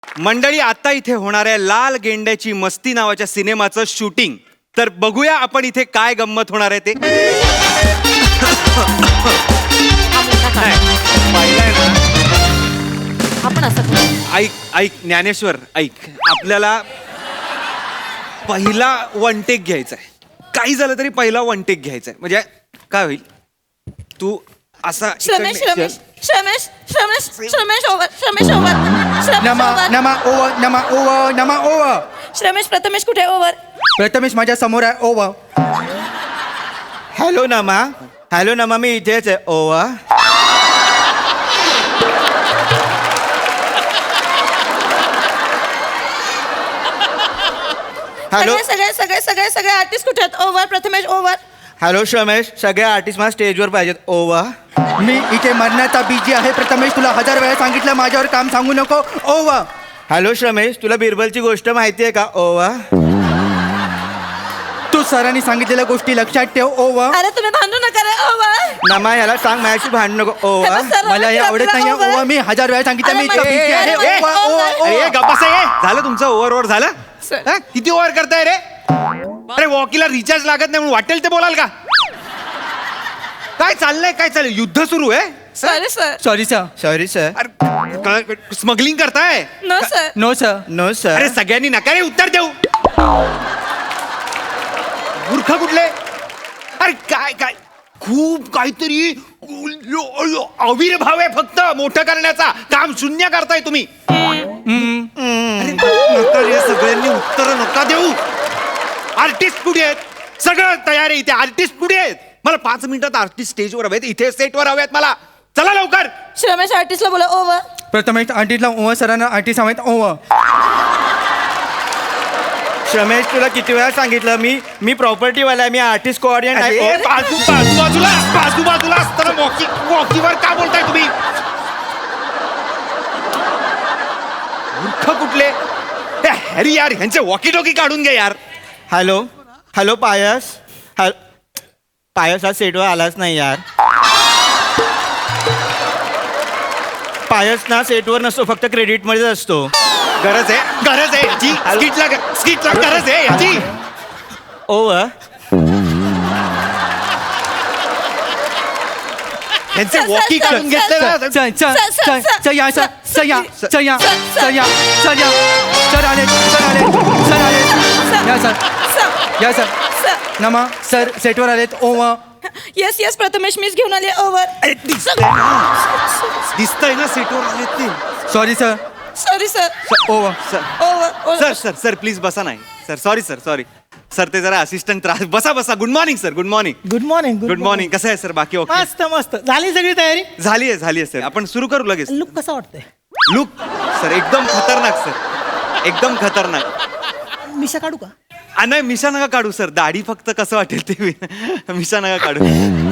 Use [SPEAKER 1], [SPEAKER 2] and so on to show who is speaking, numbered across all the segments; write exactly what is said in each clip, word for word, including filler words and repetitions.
[SPEAKER 1] मंडळी, आता इथे होणाऱ्या लाल गेंड्याची मस्ती नावाच्या सिनेमाचं शूटिंग. तर बघूया आपण इथे काय गंमत होणार आहे ते. पाहिलंय ना?
[SPEAKER 2] आपण असं करू.
[SPEAKER 1] ऐक ऐक ज्ञानेश्वर, ऐक. आपल्याला पहिला वन टेक घ्यायचा आहे. काही झालं तरी पहिला वन टेक घ्यायचा आहे. म्हणजे काय होईल, तू असा
[SPEAKER 2] श्रमेश
[SPEAKER 1] इकडनं-
[SPEAKER 2] श्रमेश श्रमेश श्रमेश श्रमेश ओव्हर श्रमेश ओव्हर श्रमेश
[SPEAKER 3] नमा
[SPEAKER 2] ओव्हर
[SPEAKER 3] नमा ओवर नमा ओवर नमा ओवर.
[SPEAKER 2] श्रमेश प्रथमेश कुठे ओव्हर?
[SPEAKER 3] प्रथमेश माझ्या समोर आहे ओवर.
[SPEAKER 4] हॅलो नमा. हॅलो नमा, मी इथेच आहे. ओवा. हॅलो
[SPEAKER 2] सगळे सगळे सगळे सगळे सगळे आर्टिस्ट कुठे आहेत? Over Prathamesh over.
[SPEAKER 4] Hello Shramesh, सगळे आर्टिस्ट मला स्टेजवर पाहिजेत. ओवा.
[SPEAKER 3] मी इथे मरण्याचा बीजी आहे. प्रथमेश तुला हजार वेळा सांगितलं माझ्यावर काम सांगू नको. ओवर.
[SPEAKER 4] हॅलो श्रमेश, तुला बिरबलची गोष्ट माहिती आहे का? ओवा.
[SPEAKER 3] तू सरांनी सांगितलेल्या गोष्टी लक्षात ठेव. ओवर.
[SPEAKER 2] अरे तुम्ही भांडू नका रे ओव्हर.
[SPEAKER 4] नमा, याला सांग माझ्याशी भांडू नको. ओवा.
[SPEAKER 3] मला हे आवडत नाही. ओवर. मी हजार वेळा सांगितलं मी इथे बीजी आहे.
[SPEAKER 2] अरे,
[SPEAKER 3] ओवर,
[SPEAKER 2] अरे,
[SPEAKER 3] ओवर,
[SPEAKER 1] अरे
[SPEAKER 3] ओवर.
[SPEAKER 1] गप्प बसा, ये. झालं तुमचं ओव्हर ओव्हर झालं.
[SPEAKER 2] सर.
[SPEAKER 1] हा? किती ओव्हर करताय रे? अरे वॉकीला रिचार्ज लागत नाही म्हणून वाटेल ते बोलाल का? काय चाललंय, काय चाललंय? युद्ध सुरू आहे.
[SPEAKER 2] Sorry sir.
[SPEAKER 3] Sorry sir.
[SPEAKER 4] Sorry sir.
[SPEAKER 1] अरे स्मगलिंग करताय?
[SPEAKER 2] No sir.
[SPEAKER 3] No sir.
[SPEAKER 4] No
[SPEAKER 1] अरे
[SPEAKER 4] सर.
[SPEAKER 1] सगळ्यांनी नका रे उत्तर देऊ. मूर्ख कुठले? अरे काय काय खूप काहीतरी अविर्भाव आहे फक्त मोठं करण्याचा. काम शून्य करताय तुम्ही. अरे नका रे, सगळ्यांनी उत्तर नका देऊ. आर्टिस्ट कुठे आहेत? सगळं तयार आहे इथे. आर्टिस्ट कुठे आहेत? मला पाच मिनिटात आर्टिस्ट स्टेजवर हवेत, इथे सेटवर हवेत मला. चला लवकर.
[SPEAKER 2] श्रमेश आर्टिस्टला बोला ओव्हर.
[SPEAKER 3] प्रथमेश आंटीला ओवर. सरांना आंटी सांगत ओवर.
[SPEAKER 4] श्रमेश, तुला किती वेळा सांगितलं मी मी प्रॉपर्टीवाला आहे. मी आर्टिस्ट कोऑर्डिनेट
[SPEAKER 1] अरे,
[SPEAKER 4] आहे.
[SPEAKER 1] बाजू बाजू बाजूला बाजू बाजूला असताना वॉकी वॉकीवर का बोलताय तुम्ही? मूर्ख कुठले? ए, हॅरी यार, ह्यांचे वॉकी टॉकी काढून घ्या यार.
[SPEAKER 4] हॅलो. हॅलो पायस. हॅलो पायस, आज सेटवर आलाच नाही यार. पायस ना सेटवर नसतो, फक्त क्रेडिटमध्येच असतो.
[SPEAKER 1] गरज आहे गरज आहे याची. स्किटला स्किटला गरज आहे याची.
[SPEAKER 4] ओवा.
[SPEAKER 1] ह्यांचे
[SPEAKER 2] सर,
[SPEAKER 1] वॉकी
[SPEAKER 2] सर,
[SPEAKER 1] काढून
[SPEAKER 2] सर,
[SPEAKER 1] घेतले ना.
[SPEAKER 3] Sir sir
[SPEAKER 2] sir, sir,
[SPEAKER 3] sir
[SPEAKER 2] sir,
[SPEAKER 3] sir या सर सर या
[SPEAKER 2] सर,
[SPEAKER 3] सर या
[SPEAKER 2] सर,
[SPEAKER 3] सर या सर या सर आले सर आले सर आले या सर
[SPEAKER 2] सर
[SPEAKER 3] या सर
[SPEAKER 2] सर.
[SPEAKER 3] नमा सर सेटवर आलेत. ओवर.
[SPEAKER 2] येस येस प्रथमेश मीच घेऊन आले ओव्हर.
[SPEAKER 1] अरे, दिसतंय ना. दिसतंय ना सेटवर आले ते.
[SPEAKER 3] Sorry sir.
[SPEAKER 2] Sorry sir.
[SPEAKER 3] Over.
[SPEAKER 1] Sir
[SPEAKER 2] over
[SPEAKER 1] sir sir sir please बसा. नाही sir, sorry sir, sorry sir. ते जरा असिस्टंट त्रास. बसा बसा. Good morning sir. Good morning.
[SPEAKER 5] Good morning
[SPEAKER 1] good morning. कसं आहे सर? बाकी ओके?
[SPEAKER 5] मस्त मस्त झाली सगळी तयारी.
[SPEAKER 1] झाली आहे झाली आहे सर. आपण सुरू करू लगेच.
[SPEAKER 5] लुक कसा वाटतंय?
[SPEAKER 1] लुक सर एकदम खतरनाक सर. एकदम खतरनाक.
[SPEAKER 5] मिशा काढू का?
[SPEAKER 1] आ, नाही मिशा नका काढू सर. दाढी फक्त कसं वाटेल ते वि- मिशा नका काढू.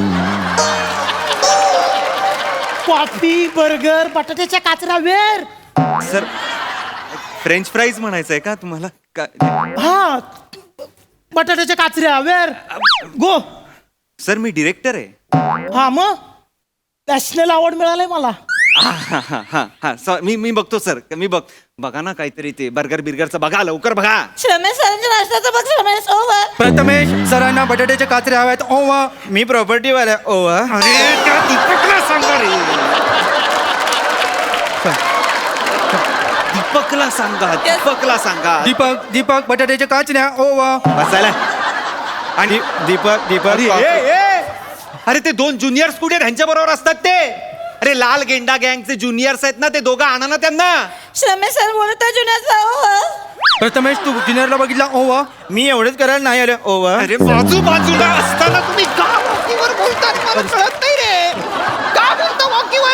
[SPEAKER 5] कॉफी बर्गर बटाट्याच्या काचरा वेर.
[SPEAKER 1] सर फ्रेंच फ्राईज म्हणायचं आहे का तुम्हाला? का-
[SPEAKER 5] हा बटाट्याच्या काचऱ्या वेर गो.
[SPEAKER 1] सर मी डिरेक्टर आहे.
[SPEAKER 5] हा मग नॅशनल अवॉर्ड मिळालाय मला.
[SPEAKER 1] हा हा हा हा हा सर मी मी बघतो सर. मी बघ बघा ना काहीतरी ते बर्गर बिर्गरचं बघा लवकर बघा.
[SPEAKER 2] श्रमेश सरांच्या नाश्त्याचं बघ श्रमेश ओव्हर.
[SPEAKER 3] प्रथमेश सरांना बटाट्याचे काचरे हवेत. ओवर.
[SPEAKER 4] मी प्रॉपर्टीवाला आहे. ओवा.
[SPEAKER 1] अरे त्या दीपकला सांगा रे. दीपकला सांगा. दीपकला सांगा.
[SPEAKER 3] दीपक दीपक बटाट्याच्या काचऱ्या. ओवर.
[SPEAKER 1] बसायला.
[SPEAKER 4] आणि दीपक दीपक
[SPEAKER 1] अरे ए, ए! अरे ते दोन ज्युनियर्स कुठे आहेत? ह्यांच्या बरोबर असतात ते. अरे लाल गेंडा गँगचे ज्युनियर्स आहेत ना, ते दोघं आणा ना त्यांना.
[SPEAKER 2] श्रमेश सर बोलत आहे जुन्याचा ओव्हर.
[SPEAKER 3] प्रथमेश तू ज्युनियरला बघितला. ओवर.
[SPEAKER 4] मी एवढंच करायला नाही आलं. ओवा.
[SPEAKER 1] अरे बाजू बाजूला असताना तुम्ही का वॉकीवर बोलता? मला कळत नाही रे. का बोलता वॉकीवर?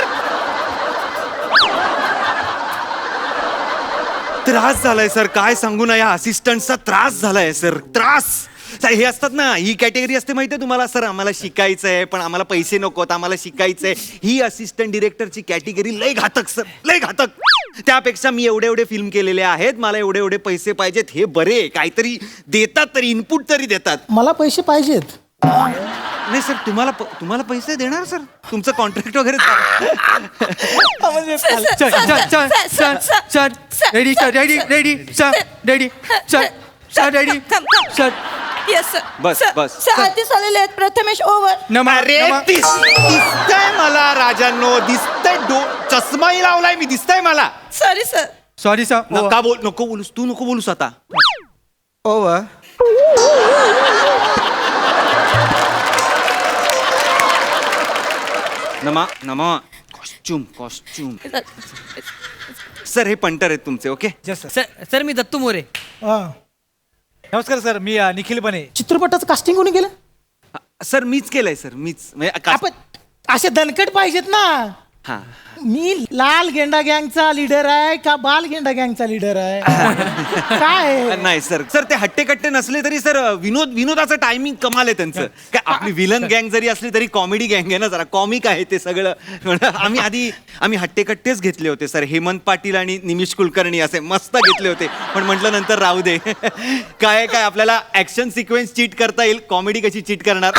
[SPEAKER 1] त्रास झालाय सर. काय सांगू ना, या असिस्टंटचा त्रास झालाय सर. त्रास. सर, हे असतात ना, ही कॅटेगरी असते माहितीये तुम्हाला सर. आम्हाला शिकायचंय पण आम्हाला पैसे नकोत, आम्हाला शिकायचंय. ही असिस्टंट डिरेक्टरची कॅटेगरी लय घातक सर, लय घातक. त्यापेक्षा मी एवढे एवढे फिल्म केलेले आहेत, मला एवढे एवढे पैसे पाहिजेत, हे बरे. काहीतरी देतात तरी, इनपुट तरी देतात.
[SPEAKER 5] मला पैसे पाहिजेत.
[SPEAKER 1] नाही सर तुम्हाला प- तुम्हाला पैसे देणार सर तुमचं कॉन्ट्रॅक्ट वगैरे झा-
[SPEAKER 2] सर, सर,
[SPEAKER 3] चल
[SPEAKER 2] सर,
[SPEAKER 3] चल चल
[SPEAKER 2] सर,
[SPEAKER 3] चल
[SPEAKER 2] सर,
[SPEAKER 3] चल
[SPEAKER 2] sir,
[SPEAKER 3] ready
[SPEAKER 2] sir,
[SPEAKER 3] sir ready
[SPEAKER 2] sir,
[SPEAKER 3] ready sir ready sir sir ready
[SPEAKER 2] थांब, थांब.
[SPEAKER 3] सर
[SPEAKER 2] येस सर
[SPEAKER 1] बस,
[SPEAKER 2] सर,
[SPEAKER 1] बस.
[SPEAKER 2] सर आधीच आलेले आहेत प्रथमेश ओव्हर
[SPEAKER 3] नमा
[SPEAKER 1] अरे
[SPEAKER 3] नमा-
[SPEAKER 1] दिस- दिसतंय मला राजांनो दिसतंय डो चष्माही लावलाय मी दिसतंय मला
[SPEAKER 2] सॉरी सर
[SPEAKER 3] सॉरी सर
[SPEAKER 1] नका बोल नको बोलूस तू नको बोलूस आता
[SPEAKER 4] ओव्हर
[SPEAKER 1] नमा नमा कॉस्ट्युम कॉस्ट्युम सर हे पंटर आहेत तुमचे ओके
[SPEAKER 6] सर सर मी दत्तू मोरे
[SPEAKER 5] हा.
[SPEAKER 7] नमस्कार सर मी अ, निखिल बने
[SPEAKER 5] चित्रपटाचं कास्टिंग कोणी केलं
[SPEAKER 1] सर मीच केलंय सर मीच म्हणजे का-
[SPEAKER 5] आपण असे दणकट पाहिजेत ना
[SPEAKER 1] हा
[SPEAKER 5] मी लाल गेंडा गँगचा लीडर आहे का बाल गेंडा गँगचा लीडर आहे काय
[SPEAKER 1] नाही सर सर ते हट्टे कट्टे नसले तरी सर विनोद विनोदाचं टायमिंग कमाल आहे त्यांचं काय आपली विलन गँग जरी असली तरी कॉमेडी गँग आहे ना जरा कॉमिक आहे ते सगळं आम्ही आधी आम्ही हट्टे कट्टेच घेतले होते सर हेमंत पाटील आणि निमिष कुलकर्णी असे मस्त घेतले होते पण म्हटलं नंतर राहू दे काय काय आपल्याला ऍक्शन सिक्वेन्स चीट करता येईल कॉमेडी कशी चीट करणार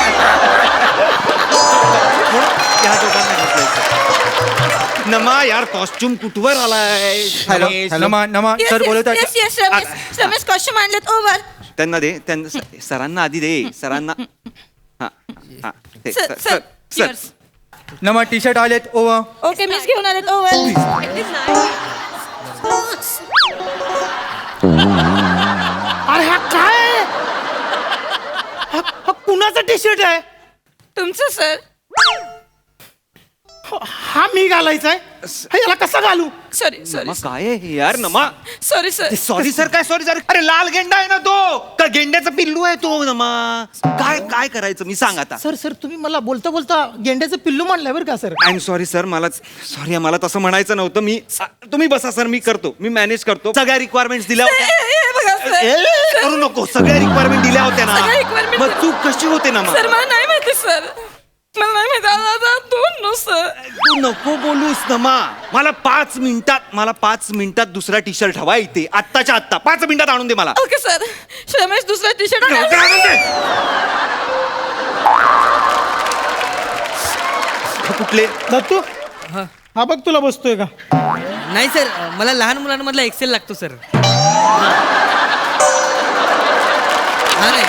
[SPEAKER 1] म्हणून त्या दोघांना घेतलंय सर. नमा यार कॉस्ट्युम कुठवर आलाय
[SPEAKER 4] हॅलो,
[SPEAKER 1] रमेश.
[SPEAKER 4] हॅलो.
[SPEAKER 3] नमा नमा सर बोलत आहे
[SPEAKER 2] yes yes Ramesh Ramesh costume आणलेत ओव्हर
[SPEAKER 1] त्यांना दे त्यांना स- सरांना आधी दे सरांना हा हा ते,
[SPEAKER 2] sir
[SPEAKER 1] sir-
[SPEAKER 2] sir
[SPEAKER 1] sir
[SPEAKER 2] yours.
[SPEAKER 3] नमा टी शर्ट आलेत ओव्हर
[SPEAKER 2] ओके मीच घेऊन आलेत ओव्हर
[SPEAKER 5] अरे हा काय आहे? हा हा कुणाचा टी शर्ट आहे
[SPEAKER 2] तुमचं सर
[SPEAKER 5] हा मी घालायचा आहे हा, याला कसा घालू
[SPEAKER 2] सॉरी सॉरी
[SPEAKER 1] नमा काय आहे हे यार नमा
[SPEAKER 2] सॉरी सर
[SPEAKER 1] सॉरी सर काय सॉरी सर अरे लाल गेंडा आहे ना तो का गेंड्याचा पिल्लू आहे तो नमा काय काय करायचं मी सांग आता
[SPEAKER 5] सर सर तुम्ही मला बोलता बोलता गेंड्याचं पिल्लू म्हणलंय बरं का sir
[SPEAKER 1] I am sorry sir मला सॉरी मला तसं म्हणायचं नव्हतं मी तुम्ही बसा सर मी करतो मी मॅनेज करतो सगळ्या रिक्वायरमेंट्स दिल्या होत्या
[SPEAKER 2] हे बघा
[SPEAKER 1] ए,
[SPEAKER 2] सर
[SPEAKER 1] करू नको सगळ्या रिक्वायरमेंट दिल्या होत्या ना
[SPEAKER 2] सगळ्या requirement
[SPEAKER 1] मग चूक कशी होते ना मग
[SPEAKER 2] सर मला नाही माहिती सर मला नाही माहिती आता- आता दोन नो सर
[SPEAKER 1] तू नको बोलूस नमा मला पाच मिनिटात मला पाच मिनिटात दुसरा टी शर्ट हवा इथे आत्ताच्या आत्ता पाच मिनिटात आणून दे मला
[SPEAKER 2] ओके सर रमेश दुसरा टी शर्ट
[SPEAKER 1] लवकर आणून दे. हा, कुठले
[SPEAKER 5] दत्तू हा बघ तुला बसतोय का
[SPEAKER 6] नाही सर मला लहान मुलांमधला एक्सेल लागतो सर हा नाही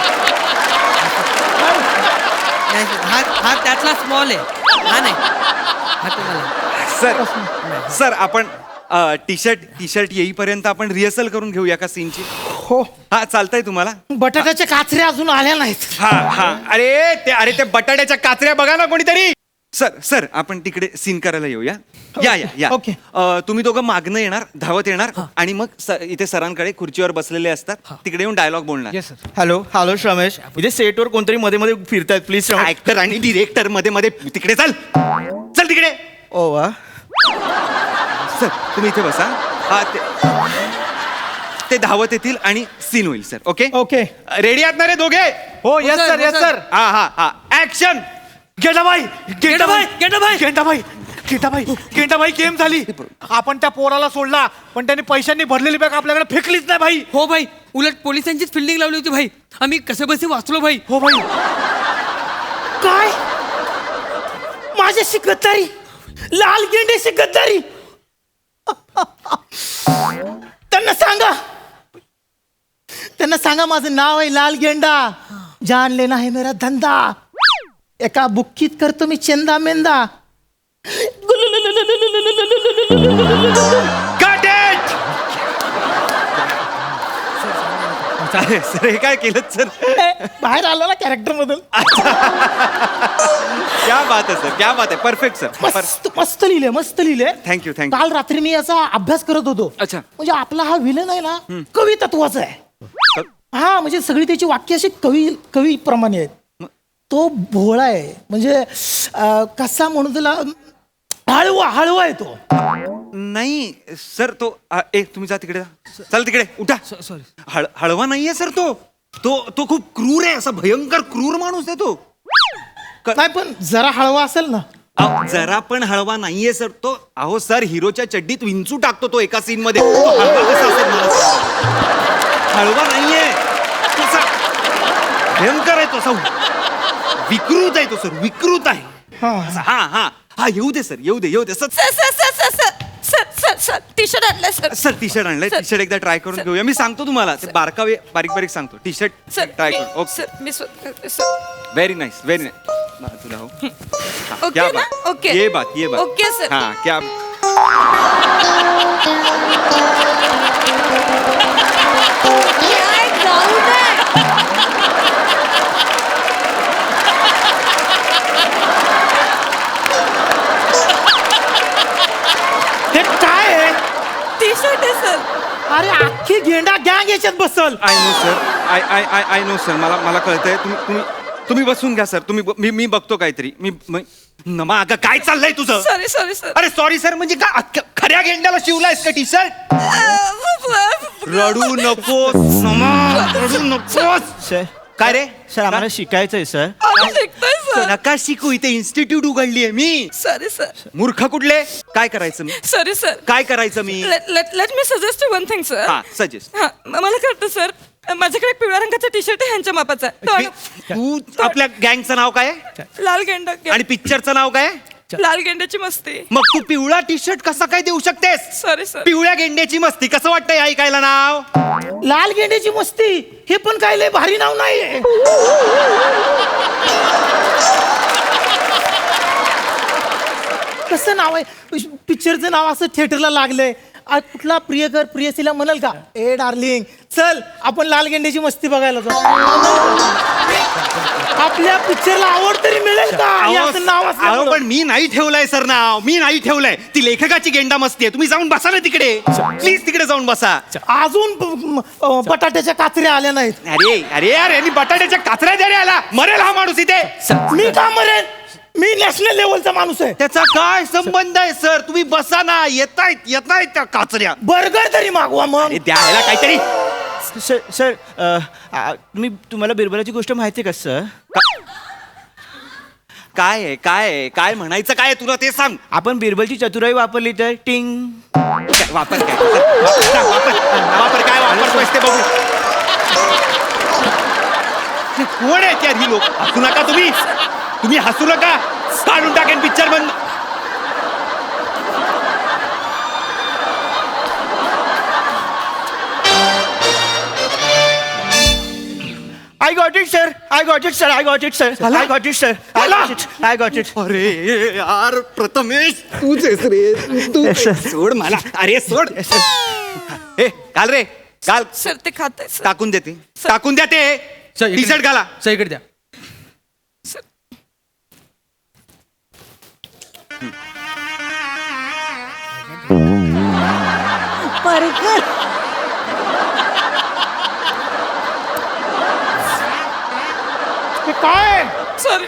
[SPEAKER 6] नाही sir, हा हा त्यातला स्मॉल आहे हा नाही हा तुम्हाला
[SPEAKER 1] सर सर आपण टी शर्ट टी शर्ट येईपर्यंत आपण रिहर्सल करून घेऊया का सीनची
[SPEAKER 5] हो
[SPEAKER 1] हा चालतंय तुम्हाला
[SPEAKER 5] बटाट्याच्या काचऱ्या अजून आल्या नाहीत
[SPEAKER 1] हा हा अरे ते अरे ते बटाट्याच्या काचऱ्या बघा ना कोणीतरी सर सर आपण तिकडे सीन करायला येऊया या या या
[SPEAKER 5] ओके.
[SPEAKER 1] अ, तुम्ही दोघं मागणं येणार धावत येणार आणि मग स- इथे सरांकडे खुर्चीवर बसलेले असतात तिकडे येऊन डायलॉग बोलणार
[SPEAKER 7] yes sir
[SPEAKER 4] hello hello Ramesh इथे सेटवर कोणतरी मध्ये मध्ये फिरतायत प्लीज रमेश
[SPEAKER 1] ऍक्टर आणि डिरेक्टर मध्ये मध्ये तिकडे चल चल तिकडे
[SPEAKER 4] ओव्हर
[SPEAKER 1] सर तुम्ही इथे बसा हा ते ते धावत येतील आणि सीन होईल सर ओके
[SPEAKER 5] ओके
[SPEAKER 1] रेडी आहात ना रे दोघे
[SPEAKER 7] हो येस
[SPEAKER 6] sir,
[SPEAKER 7] सर
[SPEAKER 6] हो,
[SPEAKER 7] येस
[SPEAKER 6] sir.
[SPEAKER 7] सर
[SPEAKER 1] हा हा हा ऍक्शन
[SPEAKER 7] गेंडाबाई
[SPEAKER 6] गेंडाबाई, गेंडाबाई.
[SPEAKER 7] गेंडाबाई गेंडाबाई गेंडाबाई गेम झाली आपण त्या पोराला सोडला पण त्याने पैशांनी भरलेली बॅग आपल्याकडे फेकलीच नाही भाई
[SPEAKER 6] हो भाई उलट पोलिसांचीच फिल्डिंग लावली होती भाई आम्ही कसे बसे वाचलो भाई
[SPEAKER 7] हो भाई
[SPEAKER 5] काय माझ्याशी गद्दारी लाल गेंड्याशी गद्दारी त्यांना सांगा त्यांना सांगा माझं नाव आहे लाल गेंडा जान लेना है मेरा धंदा एका बुक्कीत करतो मी चेंदा मेंदा
[SPEAKER 1] Cut it! अरे सर हे काय केलं सर
[SPEAKER 5] बाहेर आलो ना कॅरेक्टर मधून
[SPEAKER 1] क्या बात आहे सर क्या बात आहे परफेक्ट सर
[SPEAKER 5] मस्त मस्त लिहिले मस्त लिहिले
[SPEAKER 1] थँक्यू थँक्यू
[SPEAKER 5] काल रात्री मी याचा अभ्यास करत होतो
[SPEAKER 1] अच्छा.
[SPEAKER 5] म्हणजे आपला हा विलन आहे ना कवी तत्वाचा आहे हा म्हणजे सगळी त्याची वाक्य अशी कवी कवी प्रमाणे आहेत तो भोळा आहे म्हणजे अं, कसा म्हणून त्याला हळवा हळवा आहे तो
[SPEAKER 1] नाही सर तो आ, ए तुम्ही जा तिकडे जा. चल तिकडे उठा
[SPEAKER 6] सॉरी
[SPEAKER 1] हळ हळवा नाहीये सर तो तो तो खूप क्रूर आहे असा भयंकर क्रूर माणूस आहे तो क-
[SPEAKER 5] नाही पण जरा हळवा असेल ना
[SPEAKER 1] अहो, जरा पण हळवा नाहीये सर तो अहो सर हिरोच्या चड्डीत विंचू टाकतो तो एका सीन मध्ये तो हळवा कसा असेल मला सांगा? हळवा नाहीये तो असा भयंकर आहे तो असा विकृत आहे तो सर विकृत आहे
[SPEAKER 5] हा.
[SPEAKER 1] हा हा हा येऊ दे सर येऊ दे येऊ दे sir
[SPEAKER 2] sir sir sir sir sir sir sir sir T shirt आणलंय सर
[SPEAKER 1] सर टी शर्ट आणलंय
[SPEAKER 2] सर.
[SPEAKER 1] टी शर्ट एकदा ट्राय करून घेऊया मी सांगतो तुम्हाला ते बारकावे बारीक बारीक सांगतो टी शर्ट
[SPEAKER 2] सर
[SPEAKER 1] ट्राय
[SPEAKER 2] मी-
[SPEAKER 1] करून ओके
[SPEAKER 2] सर मी स्वतः करते, sir
[SPEAKER 1] very nice very nice तुला हो हाँ,
[SPEAKER 2] ओके
[SPEAKER 1] क्या
[SPEAKER 2] ना?
[SPEAKER 1] बात
[SPEAKER 2] ओके.
[SPEAKER 1] ये बात ये बात
[SPEAKER 2] ओके, सर.
[SPEAKER 1] हाँ क्या
[SPEAKER 2] काय गाऊन आहे?
[SPEAKER 5] हे काय आहे
[SPEAKER 2] टी शर्ट आहे सर
[SPEAKER 5] अरे अख्खी गेंडा गँग याच्यात बसल
[SPEAKER 1] I know sir I I I I know sir मला मला कळतंय तुम्ही तुम्ही तुम्ही बसून घ्या सर तुम्ही ब- मी मी बघतो काहीतरी मी म- नमा अगं काय चाललंय तुझं
[SPEAKER 2] सॉरी सॉरी सर
[SPEAKER 1] अरे सॉरी सर म्हणजे का अख्ख्या- खऱ्या गेंड्याला शिवलायस का टी शर्ट रडू नकोस नमा रडू नकोस
[SPEAKER 4] सर
[SPEAKER 1] काय रे
[SPEAKER 4] सर आम्हाला शिकायचंय सर
[SPEAKER 2] आम्ही शिकतोय सर
[SPEAKER 1] नका शिकू इथे इन्स्टिट्यूट उघडली आहे मी
[SPEAKER 2] सॉरी सर
[SPEAKER 1] मूर्ख कुठले काय करायचं मी
[SPEAKER 2] सॉरी सर
[SPEAKER 1] काय करायचं मी
[SPEAKER 2] लेट लेट लेट मी सजेस्ट वन थिंग सर
[SPEAKER 1] हा सजेस्ट
[SPEAKER 2] हा म- मला कळतं सर माझ्याकडे एक पिवळ्या रंगाचा टी शर्ट आहे ह्यांच्या मापाचा तो आणू.
[SPEAKER 1] तू आपल्या गँगचं नाव काय आहे?
[SPEAKER 2] लाल गेंडा
[SPEAKER 1] आणि पिक्चरचं नाव काय आहे?
[SPEAKER 2] लाल गेंड्याची मस्ती
[SPEAKER 1] मग तू पिवळा टी शर्ट कसा काय देऊ शकतेस
[SPEAKER 2] सॉरी सर
[SPEAKER 1] पिवळ्या गेंड्याची मस्ती कसं वाटतंय ऐकायला नाव
[SPEAKER 5] लाल गेंड्याची मस्ती हे पण काय लय भारी नाव नाहीये कसं नाव आहे पिक्चरचं नाव असं थिएटरला लागलंय आज कुठला प्रियकर प्रियसीला म्हणाल का ए डार्लिंग चल आपण लाल गेंड्याची मस्ती बघायला जाऊ आपल्या पिक्चरला आवड तरी मिळेल का हे असं नाव
[SPEAKER 1] अहो,
[SPEAKER 5] असलं
[SPEAKER 1] पण मी नाही ठेवलंय सर नाव मी नाही ठेवलंय ती लेखकाची गेंडा मस्ती आहे तुम्ही जाऊन बसा ना तिकडे प्लीज तिकडे जाऊन बसा
[SPEAKER 5] अजून ब- अं, बटाट्याच्या काचऱ्या आल्या नाहीत
[SPEAKER 1] अरे अरे यार यांनी बटाट्याच्या काचऱ्या द्यारे आला मरेल हा माणूस इथे
[SPEAKER 5] मी का मरेन मी नॅशनल लेवलचा माणूस आहे
[SPEAKER 1] त्याचा काय संबंध आहे सर तुम्ही बसा ना येतायत येतायत त्या काचऱ्या
[SPEAKER 5] बर्गर तरी मागवा मग
[SPEAKER 1] अरे द्यायला काहीतरी
[SPEAKER 4] सर सर अ, आ, तुम्ही तुम्हाला बिरबलाची गोष्ट माहिती आहे का सर
[SPEAKER 1] काय आहे काय आहे काय म्हणायचं काय आहे तुला ते सांग
[SPEAKER 4] आपण बिरबलची चतुराई वापरली तर टिंग
[SPEAKER 1] काय, वापर काय वापर सांग, वापर वापर काय वापरतोयस ते बघू हे कोण आहेत यार ही लोक हसू नका तुम्ही तुम्ही हसू नका काढून टाकेन पिक्चर बंद
[SPEAKER 4] I got it sir I got it sir I got it sir I got it sir I got it I got it
[SPEAKER 1] अरे यार प्रथमेश तूच आहेस रे तू सोड मला अरे सोड हे घाल रे घाल
[SPEAKER 2] सर ते खात आहे सर
[SPEAKER 1] टाकून देते टाकून द्या ते
[SPEAKER 6] सर,
[SPEAKER 1] टी शर्ट घाला
[SPEAKER 6] सर इकडे द्या
[SPEAKER 5] हे काय
[SPEAKER 2] सॉरी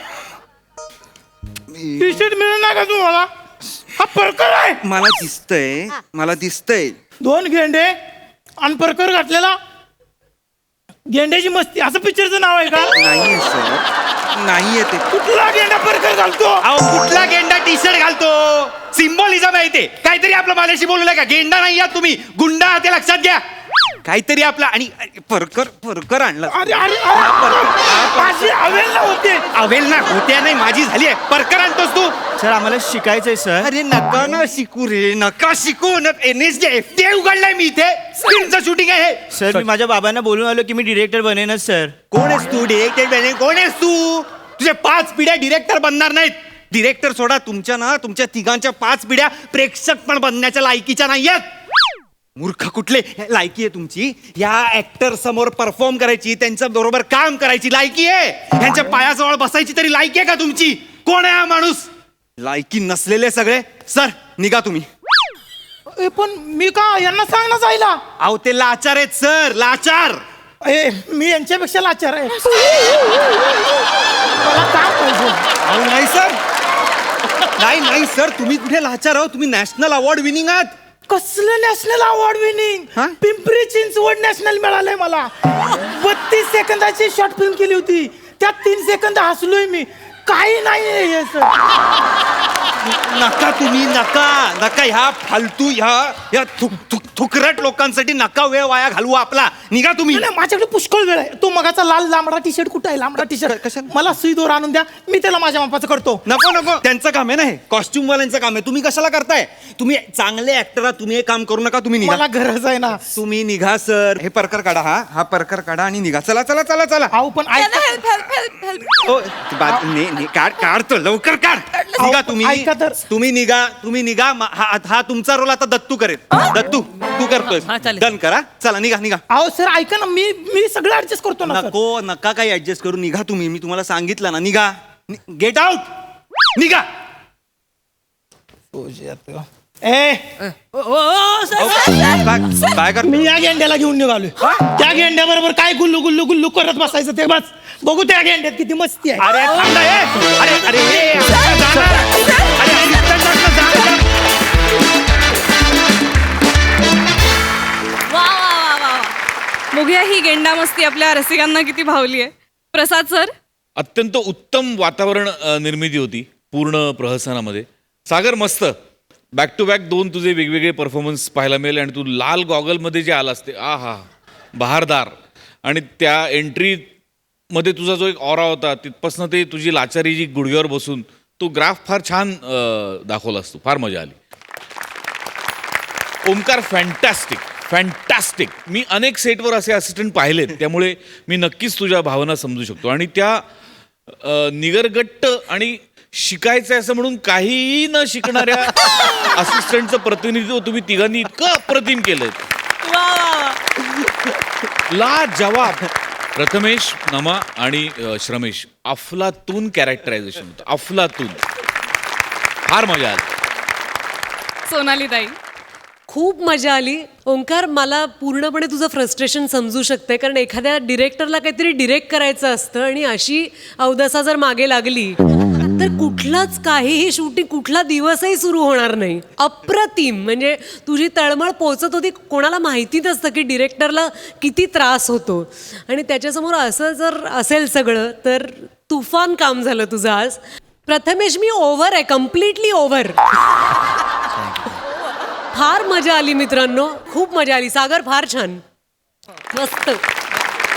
[SPEAKER 5] टी शर्ट मिळेल ना का तुम्हाला हा परकर आहे
[SPEAKER 1] मला दिसतंय मला दिसतंय
[SPEAKER 5] दोन गेंडे आणि परकर घातलेला गेंड्याची मस्ती असं पिक्चरचं नाव आहे का
[SPEAKER 1] नाहीये सर नाहीये ते
[SPEAKER 5] कुठला गेंडा परकर घालतो
[SPEAKER 1] अहो कुठला गेंडा टी शर्ट घालतो सिम्बॉलिझम आहे ते काहीतरी आपलं माझ्याशी बोलू का गेंडा नाही आहात तुम्ही गुंडा आहात ते लक्षात घ्या काहीतरी आपला आणि अरे, परकर परकर आणला
[SPEAKER 5] अरे अरे अरे माझी अवेल होते
[SPEAKER 1] अवेल ना होत्या नाही माझी झाली आहे परकर आणतोस तू
[SPEAKER 4] सर आम्हाला शिकायचंय सर
[SPEAKER 1] अरे नका ना शिकू रे नका शिकू न N S J F T I उघडलाय मी इथे फिल्मचं शूटिंग आहे हे.
[SPEAKER 4] सर मी माझ्या बाबांना बोलून आलो की मी डिरेक्टर बनेनच सर
[SPEAKER 1] कोण आहेस तू डिरेक्टर कोण आहेस तू तुझे पाच पिढ्या डिरेक्टर बनणार नाहीत डिरेक्टर सोडा तुमच्या ना तुमच्या तिघांच्या पाच पिढ्या प्रेक्षक पण बनण्याच्या लायकीच्या नाहीयेत मूर्ख कुठले लायकी आहे तुमची या ऍक्टर समोर परफॉर्म करायची त्यांच्या बरोबर काम करायची लायकी आहे यांच्या पायाजवळ बसायची तरी लायकी आहे का तुमची कोण आहे हा माणूस लायकी नसलेले सगळे सर निघा तुम्ही
[SPEAKER 5] ए, पण मी का यांना सांग ना जायला
[SPEAKER 1] अहो ते लाचार आहेत सर लाचार
[SPEAKER 5] ए मी यांच्यापेक्षा लाचार आहे मला काम पाहिजे
[SPEAKER 1] अहो नाही सर नाही नाही सर तुम्ही कुठे लाचार आहो तुम्ही नॅशनल अवॉर्ड विनिंग आहात
[SPEAKER 5] कसलं नॅशनल अवॉर्ड विनिंग
[SPEAKER 1] हा?
[SPEAKER 5] पिंपरी चिंचवड नॅशनल मिळालंय मला बत्तीस सेकंदाची शॉर्ट फिल्म केली होती त्यात तीन सेकंद हसलोय मी काही नाही हे सर
[SPEAKER 1] नका तुम्ही नका नका ह्या फालतू ह्या या थुक थुक थुकरट लोकांसाठी नका वेळ वाया घालवू आपला. निघा तुम्ही.
[SPEAKER 5] नाही, माझ्याकडे पुष्कळ वेळ आहे. तो मगाचा लाल लांबडा टी शर्ट कुठं आहे? लांबडा टी शर्ट
[SPEAKER 1] कशाला?
[SPEAKER 5] मला सुई दोर आणून द्या, मी त्याला माझ्या मापाचं करतो.
[SPEAKER 1] नको नको त्यांचं काम आहे ना हे कॉस्ट्युम वाल्यांचं काम आहे. तुम्ही कशाला करताय? तुम्ही चांगले ऍक्टर आहात, तुम्ही हे काम करू नका. तुम्ही निघा.
[SPEAKER 5] मला गरज आहे ना.
[SPEAKER 1] तुम्ही निघा सर. हे परकर काढा. हा हा परकर काढा आणि निघा. चला चला चला चला.
[SPEAKER 5] अहो पण ऐका
[SPEAKER 2] हेल्प हेल्प हेल्प हेल्प
[SPEAKER 1] ओ, बा- ने- ने- काढ काढतो लवकर काढ. निघा तुम्ही.
[SPEAKER 5] ऐका तर.
[SPEAKER 1] तुम्ही निघा तुम्ही निघा. मा- हा हा तुमचा रोल आता दत्तू करेल. दत्तू तू करतोय.
[SPEAKER 6] हा, चालेल.
[SPEAKER 1] डन करा. चला निघा निघा.
[SPEAKER 5] अहो सर ऐका ना, मी मी सगळं ऍडजस्ट करतो ना सर.
[SPEAKER 1] नको नका काही ऍडजस्ट करू. निघा तुम्ही. मी तुम्हाला सांगितलं ना. निघा. Get out. निघा.
[SPEAKER 5] ए
[SPEAKER 6] ओ, ओ, ओ, सर, सर.
[SPEAKER 1] काय काय करतो?
[SPEAKER 5] मी या गेंड्याला घेऊन निघालोय. त्या गेंड्या बरोबर काय गुल्लू गुल्लू गुल्लू करत बसायचं ते बस. बघू त्या गेंड्यात किती मस्ती आहे.
[SPEAKER 1] अरे थांब ना, ए. अरे अरे ए, आता जाणार. अरे assistant doctor, जा, जा.
[SPEAKER 2] वा वा वा वा वा. बघूया ही गेंडा मस्ती आपल्या रसिकांना किती भावली आहे. प्रसाद सर.
[SPEAKER 8] अत्यंत उत्तम वातावरण अ, निर्मिती होती पूर्ण प्रहसनामध्ये. सागर मस्त बॅक टू बॅक दोन तुझे वेगवेगळे परफॉर्मन्स पाहायला मिळेल आणि तू लाल गॉगलमध्ये जे आलास ते आ हा बहारदार. आणि त्या एंट्रीमध्ये तुझा जो एक ऑरा होता तिथपासनं ते तुझी लाचारी जी गुडघ्यावर बसून तो ग्राफ फार छान अ, दाखवलास तू. फार मजा आली. Omkar fantastic fantastic. मी अनेक सेटवर असे असिस्टंट पाहिलेत त्यामुळे मी नक्कीच तुझ्या भावना समजू शकतो. आणि त्या अ, निगरगट्ट आणि शिकायचं आहे असं म्हणून काहीही न शिकणाऱ्या असिस्टंटचं प्रतिनिधित्व तुम्ही तिघांनी इतकं अप्रतिम केलंय.
[SPEAKER 2] वा वा वा.
[SPEAKER 8] ला जवाब. प्रथमेश, नमा आणि अ, श्रमेश अफलातून कॅरेक्टरायझेशन होतं. अफलातून. फार मजा आली.
[SPEAKER 2] सोनाली ताई.
[SPEAKER 9] खूप मजा आली. ओंकार, मला पूर्णपणे तुझं फ्रस्ट्रेशन समजू शकते, कारण एखाद्या डिरेक्टरला काहीतरी डिरेक्ट करायचं असतं आणि अशी अवदसा जर मागे लागली तर कुठलाच काहीही शूटिंग कुठला दिवसही सुरू होणार नाही. अप्रतिम. म्हणजे तुझी तळमळ पोचत होती. कोणाला माहिती नसतं की डिरेक्टरला किती त्रास होतो आणि त्याच्यासमोर असं जर असेल सगळं तर तुफान काम झालं तुझं आज. प्रथमेश, मी ओव्हर आहे, कम्प्लिटली ओव्हर. फार मजा आली मित्रांनो, खूप मजा आली. सागर फार छान, मस्त.